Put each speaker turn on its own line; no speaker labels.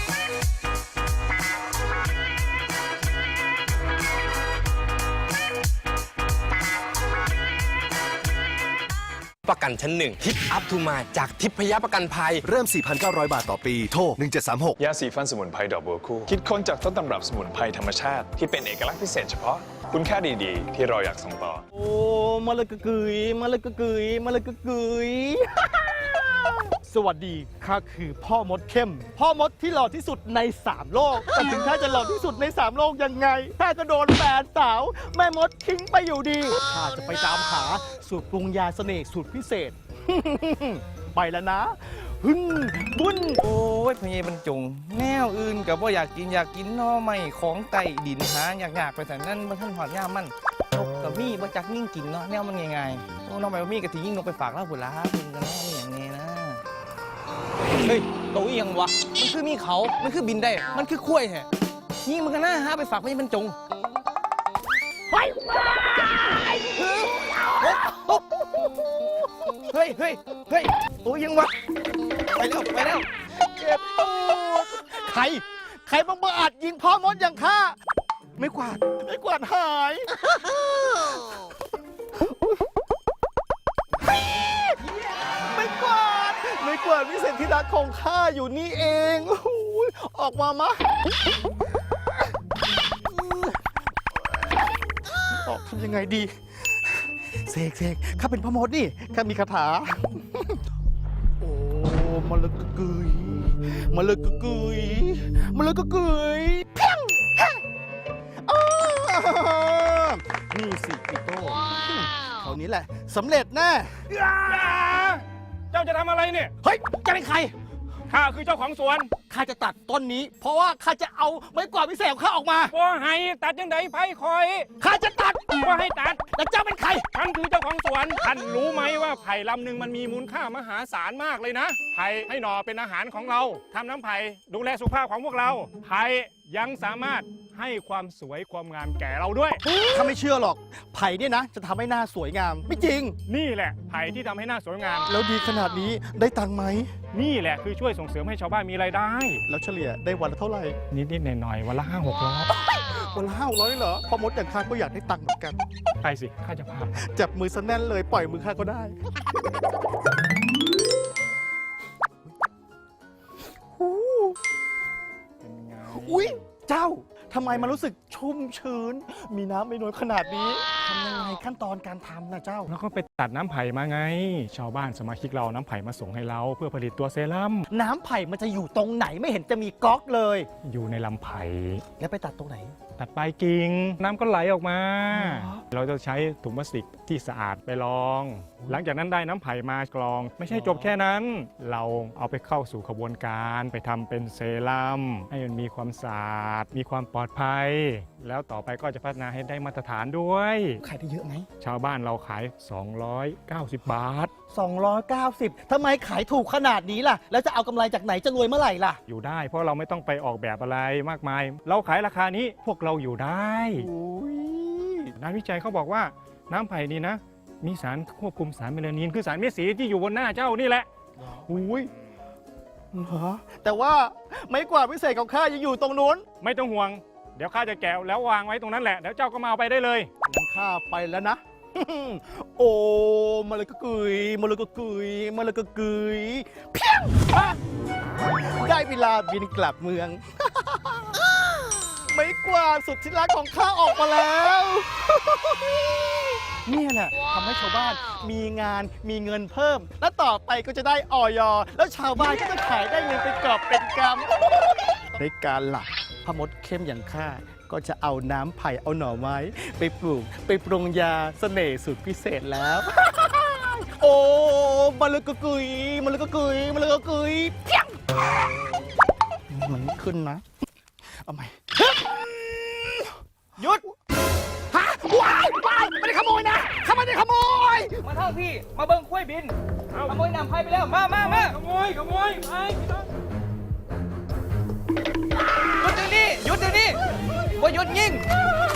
ประกันชั้นหนึ่งทิปอัพทูมาจากทิพยประกันภัย
เริ่ม 4,900 บาทต่อปีโทร1736
ยาสีฟันสมุนไพรดอกบัวคู่คิดค้นจากต้นตำรับสมุนไพรธรรมชาติที่เป็นเอกลักษณ์พิเศษเฉพาะคุณค่าดีๆที่เราอยากส่งต่อ
โอ้มาเลยกะกึ๋ยมาเลยกะกึ๋ยมาเลยกะกึ๋ย สวัสดีข้าคือพ่อมดเข้มพ่อมดที่หล่อที่สุดใน3โลกแต่ถึงข้าจะหล่อที่สุดใน3โลกยังไงข้าก็โดนแฟนสาวแม่มดทิ้งไปอยู่ดีข้าจะไปตามหาสูตรปรุงยาเสน่ห์สูตรพิเศษ ไปแล้วนะหึ่นบุญ
โอ้ยพญายบรรจงแนวอื่นกับว่าอยากกินหน่อไม้ของไต่ดินหาอยากไปแต่นั่นมันท่านหอดย่ามันนกกับมี่บ่จักยิ่งกินเนาะแนวมันง่ายๆโอ้น้องไปมี่กับที่ยิ่งนกไปฝากเล่าบุญละคุณกันเนาะอย่างนี้นะเฮ้ยตัวอีหยังวะมันคือมีเขามันคือบินได้มันคือคุ้ยแฮะยิ่งมันก็น่าหาไปฝากพญายบรรจงเฮ้ยตัวอีหยังวะไปแล้ว
เจ็บตูดใครบังอาจยิงพ่อมดอย่างข้าไม่กวาดหายไม่กวาดวิเศษที่รักของข้าอยู่นี่เองออกมามะออกทำยังไงดีเสกข้าเป็นพ่อมดนี่ข้ามีคาถาโอ้มาเลยกะกึ๋ยมาเลยกะกึ๋ยมาเลยกะกึ๋ยเพียงนี่สิพี่โต้คราวนี้แหละสำเร็จแน่
เจ้าจะทำอะไรเนี่ย
เฮ้ยจะเป็นใคร
ข้าคือเจ้าของสวน
ข้าจะตัดต้นนี้ เพราะว่าข้าจะเอาไม้กวาดพิเศษของข้าออกมา
ว่าให้ตัดยังไงไผ่คอย
ข้าจะตัด
ว่าให้ตัด
แล้วเจ้าเป็นใคร
ท่านคือเจ้าของสวน ท่านรู้ไหมว่าไผ่ลำหนึ่งมันมีมูลค่ามหาศาลมากเลยนะ ไผ่ให้หน่อเป็นอาหารของเราทำน้ำไผ่ดูแลสุขภาพของพวกเรา ไผ่ยังสามารถให้ความสวยความงามแก่เราด้วย
ข้าไม่เชื่อหรอก ไผ่เนี่ยนะจะทำให้หน้าสวยงาม ไม่จริง
นี่แหละไผ่ที่ทำให้หน้าสวยงาม
แล้วดีขนาดนี้ได้ตังค์ไหม
นี่แหละคือช่วยส่งเสริมให้ชาวบ้านมีรายได้
แล้วเฉลี่ยได้วันละเท่าไหร่
นิดหน่อยๆวันละ500-600
วันละ500เหรอพ่อมดอย่างข้าก็อยากได้ตังค์เหมือนกัน
ไปสิข้าจะพา
จับมือซะแน่นเลยปล่อยมือข้าก็ได้
เป็นไง
อุ๊ย เจ้า ทำไมมันรู้สึกชุ่มชื้น มีน้ำไม่น้อยขนาดนี้ทำยังไงขั้นตอนการทำนะเจ้า
แล้วก็ไปตัดน้ำไผ่มาไง ชาวบ้านสมาชิกเราน้ำไผ่มาส่งให้เราเพื่อผลิตตัวเซรั่ม
น้ำไผ่มันจะอยู่ตรงไหนไม่เห็นจะมีก๊อกเลย
อยู่ในลำไผ่
แล้วไปตัดตรงไหน
ตัดปลายกิ่งน้ำก็ไหลออกมา
อ๋อ
เราจะใช้ถุงพลาสติกที่สะอาดไปลอง หลังจากนั้นได้น้ำไผ่มากรอง ไม่ใช่จบแค่นั้น เราเอาไปเข้าสู่ขบวนการไปทำเป็นเซรั่มให้มันมีความสะอาดมีความปลอดภัย แล้วต่อไปก็จะพัฒนาให้ได้มาตรฐานด้วย
ขายได้เยอะไหม
ชาวบ้านเราขาย 290 บาท
290ทำไมขายถูกขนาดนี้ล่ะ แล้วจะเอากำไรจากไหนจะรวยเมื่อไหร่ล่ะ
อยู่ได้เพราะเราไม่ต้องไปออกแบบอะไรมากมาย เราขายราคานี้พวกเราอยู่ได้
อุ้ย
นักวิจัยเขาบอกว่าน้ำไผ่นี่นะ มีสารควบคุมสารเมลานิน คือสารเม็ดสีที่อยู่บนหน้าเจ้านี่แหละ
อุ้ยเหรอแต่ว่าไม้กวาดพิเศษของข้ายังอยู่ตรงนู้น
ไม่ต้องห่วง เดี๋ยวข้าจะแกะแล้ววางไว้ตรงนั้นแหละ เดี๋ยวเจ้าก็มาเอาไปได้เลย
งั้นข้าไปแล้วนะ โอ้มาเลยกะกึ๋ยมาเลยกะกึ๋ยมาเลยกะกึ๋ยเพียงได้เวลาบินกลับเมือง ไม้กวาดสุดที่รักของข้าออกมาแล้ว เนี่ยแหละทำให้ชาวบ้านมีงานมีเงินเพิ่ม และต่อไปก็จะได้อย.แล้วชาวบ้านก็จะขายได้เงินเป็นกอบเป็นกำ ในการหลักพมดเข้มอย่างข้าก็จะเอาน้ำไผ่เอาหน่อไม้ ไปปลูกไปปรุงยาเสน่ห์สูตรพิเศษแล้ว โอ้มาเลยกะกึ๋ยมาเลยกะกึ๋ยมาเลยกะกึ๋ยเพียงมันไม่ขึ้นนะเอาใหม่หยุดฮะว้ายไม่ได้ขโมยนะข้าไม่ได้ขโมย
มาเท่าพี่มาเบิ้งคุ้ยบินขโมยนำไผ่ไปแล้วมา
ขโมยไป
หยุดเดี๋ยวนี้บ่หยุดยิง